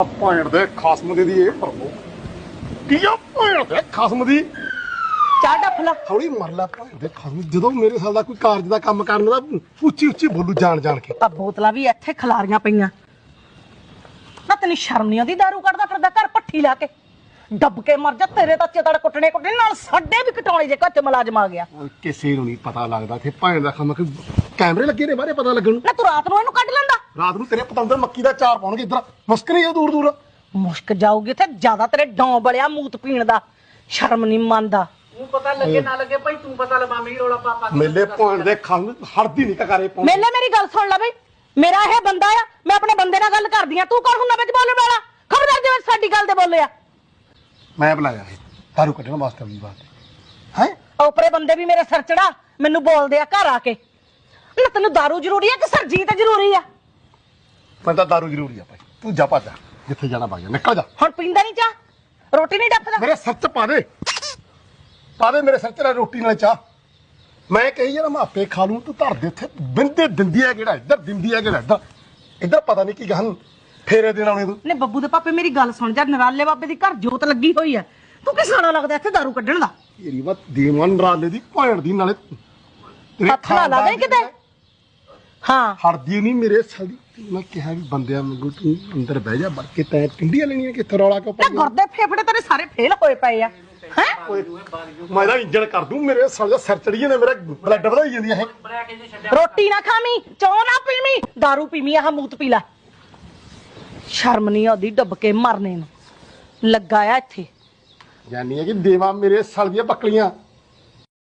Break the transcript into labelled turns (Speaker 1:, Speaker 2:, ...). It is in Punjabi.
Speaker 1: ਭੈਣ ਦੇ ਖਸਮ ਦੀ ਇਹ ਪ੍ਰਭੂ ਕੀ ਆ ਭੈਣ ਦੇ ਖਸਮ ਦੀ
Speaker 2: ਚਾਹ ਡੱਫ ਲਾ।
Speaker 1: ਹੌਲੀ ਮਰ ਲੈ ਭੈਣ ਦੇ ਖਸਮ ਜਦੋਂ ਮੇਰੇ ਸਾਲ ਦਾ ਕੋਈ ਕਾਰਜ ਦਾ ਕੰਮ ਕਰਨ ਦਾ ਉੱਚੀ ਉੱਚੀ ਬੋਲੂ ਜਾਣ ਜਾਣ ਕੇ
Speaker 2: ਆ ਬੋਤਲਾਂ ਵੀ ਇੱਥੇ ਖਿਲਾਰੀਆਂ ਪਈਆਂ ਨਾ। ਤੈਨੂੰ ਸ਼ਰਮ ਨਹੀਂ ਆਉਂਦੀ? ਦਾਰੂ ਕੱਢਦਾ ਫਿਰਦਾ ਘਰ ਪੱਠੀ ਲਾ ਕੇ। ਦੱਬ ਕੇ ਮਰ ਜਾ, ਤੇਰੇ ਤਾਂ ਚਿਤੜ ਕੁੱਟਣੇ ਨਾਲ ਸਾਡੇ ਵੀ ਕਟਾਉਣੇ ਜੇ ਘਰ ਚ ਮੁਲਾਜ਼ਮ ਆ ਗਿਆ।
Speaker 1: ਕਿਸੇ ਨੂੰ ਨਹੀਂ ਪਤਾ ਲੱਗਦਾ ਇੱਥੇ ਭੈਣ ਦਾ ਖਸਮ ਕਿ ਕੈਮਰੇ ਲੱਗੇ ਨੇ ਬਾਹਰੇ ਪਤਾ ਲੱਗਣ ਨੂੰ।
Speaker 2: ਨਾ ਤੂੰ ਰਾਤ ਨੂੰ ਇਹਨੂੰ ਕੱਢ ਲੈਂਦਾ।
Speaker 1: ਰਾਤ ਨੂੰ ਤੇਰੇ ਪਤੰਦਰ ਮੱਕੀ ਦਾ ਚਾਰ ਪਾਉਣਗੇ ਇੱਧਰ ਮੁਸਕ ਨਹੀਂ ਆ ਦੂਰ ਦੂਰ
Speaker 2: ਮੁਸ਼ਕ ਜਾਊਗੀ ਤੇ ਜ਼ਿਆਦਾ ਤੇਰੇ ਡੌਂ ਬਲਿਆ ਮੂਤ ਪੀਣ ਦਾ। ਸ਼ਰਮ ਨਹੀਂ ਮੰਨਦਾ।
Speaker 3: ਤੂੰ ਪਤਾ ਲੱਗੇ ਨਾ ਲੱਗੇ ਭਾਈ, ਤੂੰ ਪਤਾ ਲਵਾ ਮੇਰੀ ਰੋਲਾ ਪਾਪਾ
Speaker 1: ਮੇਲੇ ਭੈਣ ਦੇ ਖਸਮ ਹੜਦੀ ਨਹੀਂ ਕਕਾਰੇ ਪਾਉਂ
Speaker 2: ਮੇਲੇ ਮੇਰੀ ਗੱਲ ਸੁਣ ਲੈ ਬਈ, ਮੇਰਾ ਇਹ ਬੰਦਾ ਆ, ਮੈਂ ਆਪਣੇ ਬੰਦੇ ਨਾਲ ਗੱਲ ਕਰਦੀ ਆ। ਤੂੰ ਕੌਣ ਹੁੰਦਾ ਵਿੱਚ ਬੋਲਣ ਵਾਲਾ? ਖਬਰਦਾਰ ਜੇ ਸਾਡੀ ਗੱਲ ਤੇ ਬੋਲਿਆ।
Speaker 1: ਮੈਂ ਬੁਲਾਇਆ ਇਹ ਦਾਰੂ ਕੱਢਣ ਵਾਸਤੇ ਵੀ ਬਾਤ ਹੈ।
Speaker 2: ਉਪਰੇ ਬੰਦੇ ਵੀ ਮੇਰੇ ਸਿਰ ਚੜਾ ਮੈਨੂੰ ਬੋਲਦੇ ਆ ਘਰ ਆ ਕੇ। ਨਾ ਤੈਨੂੰ ਦਾਰੂ ਜ਼ਰੂਰੀ ਆ ਕਿ ਸਰਜੀਤ ਜ਼ਰੂਰੀ ਆ?
Speaker 1: ਮੈਂ ਤਾਂ ਦਾਰੂ ਜ਼ਰੂਰੀ ਆ ਭਾਈ, ਤੂੰ ਜਾ ਭੱਜ ਜਿੱਥੇ ਜਾਣਾ ਭਾਈ ਨਿਕਲ ਜਾ।
Speaker 2: ਹੁਣ ਪੀਂਦਾ ਨਹੀਂ ਚਾਹ? ਰੋਟੀ ਨਹੀਂ ਡੱਫਦਾ?
Speaker 1: ਮੇਰੇ ਸਿਰ 'ਚ ਪਾ ਦੇ ਮੇਰੇ ਸਿਰ 'ਚ ਰੋਟੀ ਨਾਲ ਚਾਹ। ਮੈਂ ਕਹੀ ਯਾਰ ਮੈਂ ਆਪੇ ਖਾ ਲੂੰ, ਤੂੰ ਧਰ ਦੇ ਉੱਥੇ ਬਿੰਦੇ ਦਿੰਦੀ ਆ ਕਿਹੜਾ ਇੱਧਰ, ਦਿੰਦੀ ਆ ਕਿਹੜਾ ਇੱਧਰ। ਇੱਧਰ ਪਤਾ ਨਹੀਂ ਕੀ ਗਹਨ ਫੇਰੇ ਦੇਣ ਆਉਣੇ ਤੂੰ।
Speaker 2: ਨੇ ਬੱਬੂ ਦੇ ਪਾਪੇ ਮੇਰੀ ਗੱਲ ਸੁਣ ਜਾ। ਨਰਾਲੇ ਬਾਬੇ ਦੀ ਘਰ ਜੋਤ ਲੱਗੀ ਹੋਈ ਆ। ਤੂੰ ਕਿਸ ਸਾਲਾ ਲੱਗਦਾ ਇੱਥੇ ਦਾਰੂ ਕੱਢਣ ਦਾ?
Speaker 1: ਤੇਰੀ ਵਾ ਦੇਵਨ ਰਾਲੇ ਦੀ ਭੈਣ ਦੀ ਨਾਲੇ ਤੇਰੇ
Speaker 2: ਹੱਥ ਨਾ ਲਾ ਦੇ ਕਿਤੇ। ਹਾਂ
Speaker 1: ਹੜਦੀ ਨਹੀਂ ਮੇਰੇ ਸਾਲੀ। ਮੈਂ ਕਿਹਾ ਵੀ ਬੰਦਿਆਂ ਵਾਂਗੂ ਤੂੰ ਅੰਦਰ ਬਹਿ ਜਾ, ਵੜ ਕੇ ਤੈਂ ਟਿੰਡੀਆਂ ਲੈਣੀਆਂ ਕਿੱਥੇ ਰੌਲਾ ਕਿਉਂ
Speaker 2: ਨਾ
Speaker 1: ਪਾਈ?
Speaker 2: ਗੁਰਦੇ ਫੇਫੜੇ ਤੇਰੇ ਸਾਰੇ ਫੇਲ ਹੋਏ ਪਏ ਆ। ਹੈ
Speaker 1: ਮੈਂ ਤਾਂ ਇੰਜਣ ਕਰ ਦੂੰ, ਮੇਰੇ ਸਾਲੇ ਦਾ ਸਿਰ ਚੜੀ ਜਾਂਦੇ, ਮੇਰਾ ਬਲੱਡ ਵਧਾਈ ਜਾਂਦੀ ਇਹ।
Speaker 2: ਰੋਟੀ ਨਾ ਖਾਵੀਂ, ਚੌ ਨਾ ਪੀਵੀਂ, ਦਾਰੂ ਪੀਵੀਂ, ਆਹ ਮੂਤ ਪੀ ਲੈ। ਸ਼ਰਮ ਨਹੀਂ ਆਉਂਦੀ ਡੁੱਬ ਕੇ ਮਰਨੇ ਨੂੰ। ਲੱਗਾ ਆ ਇੱਥੇ
Speaker 1: ਜਾਨੀ ਹੈ ਕਿ ਦੇਵਾ ਮੇਰੇ ਸਾਲ ਦੀਆਂ ਬੱਕਲੀਆਂ